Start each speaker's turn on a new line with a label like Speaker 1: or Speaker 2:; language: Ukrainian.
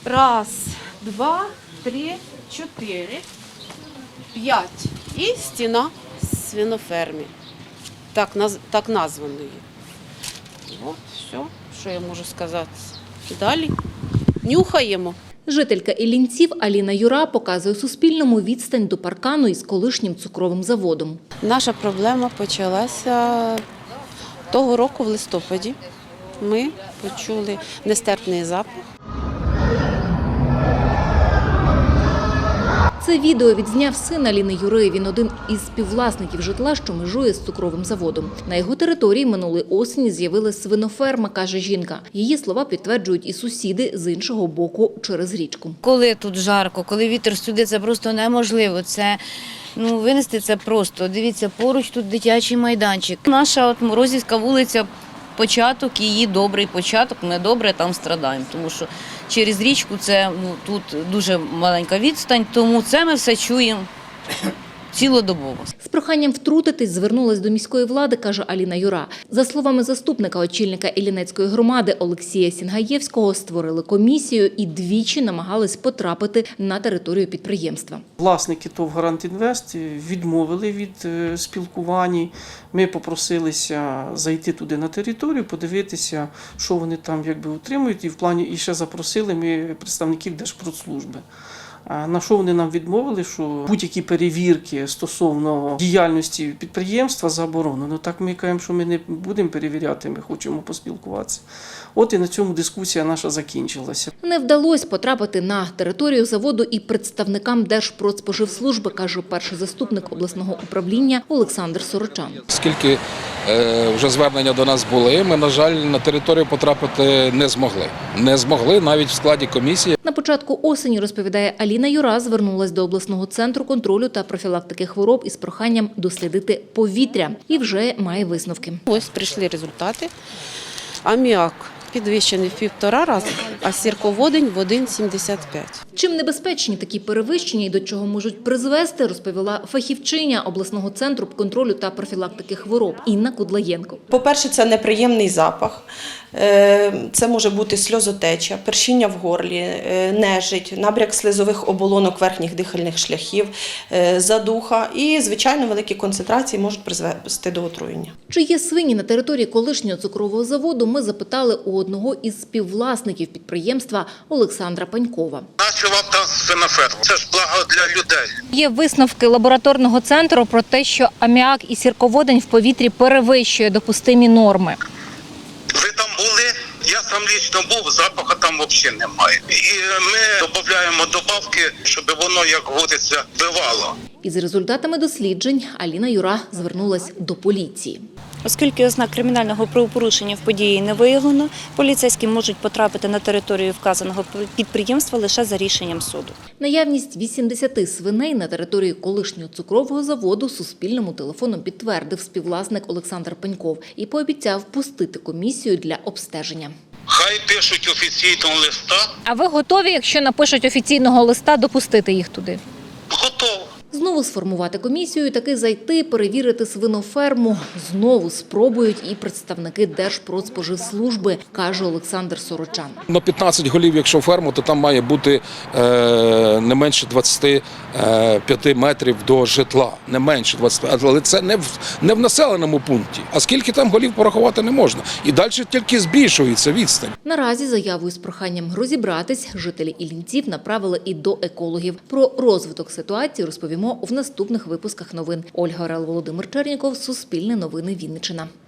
Speaker 1: Раз, два, три, чотири, 5. І стіна свиноферми, так названої. От, все, що я можу сказати. Далі нюхаємо.
Speaker 2: Жителька Іллінців Аліна Юра показує Суспільному відстань до паркану із колишнім цукровим заводом.
Speaker 1: Наша проблема почалася того року в листопаді. Ми почули нестерпний запах.
Speaker 2: Це відео відзняв син Аліни Юри. Він один із співвласників житла, що межує з цукровим заводом. На його території минулої осені з'явилась свиноферма, каже жінка. Її слова підтверджують і сусіди з іншого боку через річку.
Speaker 3: Коли тут жарко, коли вітер сюди, це просто неможливо. Винести це просто. Дивіться, поруч тут дитячий майданчик. Наша Морозівська вулиця, початок, її добрий початок, ми добре там страдаємо, тому що через річку це тут дуже маленька відстань, тому це ми все чуємо цілодобово.
Speaker 2: З проханням втрутитись звернулась до міської влади, каже Аліна Юра. За словами заступника очільника Іллінецької громади Олексія Сінгаєвського, створили комісію і двічі намагались потрапити на територію підприємства.
Speaker 4: Власники ТОВ «Гарант Інвест» відмовили від спілкувань. Ми попросилися зайти туди на територію, подивитися, що вони там утримують. І ще запросили ми представників Держпродслужби. На що вони нам відмовили, що будь-які перевірки стосовно діяльності підприємства заборонено. Так ми кажемо, що ми не будемо перевіряти, ми хочемо поспілкуватися. От і на цьому дискусія наша закінчилася.
Speaker 2: Не вдалося потрапити на територію заводу і представникам Держпродспоживслужби, каже перший заступник обласного управління Олександр Сорочан.
Speaker 5: Оскільки вже звернення до нас були, ми, на жаль, на територію потрапити не змогли. Не змогли навіть в складі комісії.
Speaker 2: На початку осені, розповідає Аліна Юра, звернулась до обласного центру контролю та профілактики хвороб із проханням дослідити повітря і вже має висновки.
Speaker 1: Ось прийшли результати. Аміак підвищений в 1,5 рази, а сірководень в 1,75.
Speaker 2: Чим небезпечні такі перевищення і до чого можуть призвести, розповіла фахівчиня обласного центру контролю та профілактики хвороб Інна Кудлаєнко.
Speaker 6: По-перше, це неприємний запах. Це може бути сльозотеча, першіння в горлі, нежить, набряк слизових оболонок верхніх дихальних шляхів, задуха і, звичайно, великі концентрації можуть призвести до отруєння.
Speaker 2: Чи є свині на території колишнього цукрового заводу, ми запитали у одного із співвласників підприємства Олександра Панькова.
Speaker 7: Нащо вам там свиноферма? Це ж благо для людей.
Speaker 8: Є висновки лабораторного центру про те, що аміак і сірководень в повітрі перевищує допустимі норми.
Speaker 7: Ви там були? Я сам лічно був, запаху там взагалі немає. І ми додаємо добавки, щоб воно, як говориться, бивало.
Speaker 2: Із результатами досліджень Аліна Юра звернулась до поліції.
Speaker 9: Оскільки ознак кримінального правопорушення в події не виявлено, поліцейські можуть потрапити на територію вказаного підприємства лише за рішенням суду.
Speaker 2: Наявність 80 свиней на території колишнього цукрового заводу Суспільному телефоном підтвердив співвласник Олександр Паньков і пообіцяв пустити комісію для обстеження.
Speaker 7: Хай пишуть офіційного листа.
Speaker 8: А ви готові, якщо напишуть офіційного листа, допустити їх туди?
Speaker 7: Готово.
Speaker 2: Знову сформувати комісію і таки зайти, перевірити свиноферму. Знову спробують і представники Держпродспоживслужби, каже Олександр Сорочан.
Speaker 5: На 15 голів, якщо ферму, то там має бути не менше 25 метрів до житла. Не менше 25, але це не в населеному пункті. А скільки там голів порахувати не можна. І далі тільки збільшується відстань.
Speaker 2: Наразі заявою з проханням розібратись жителі Іллінців направили і до екологів. Про розвиток ситуації розповімо в наступних випусках новин. Ольга Орел, Володимир Черніков, Суспільне новини, Вінниччина.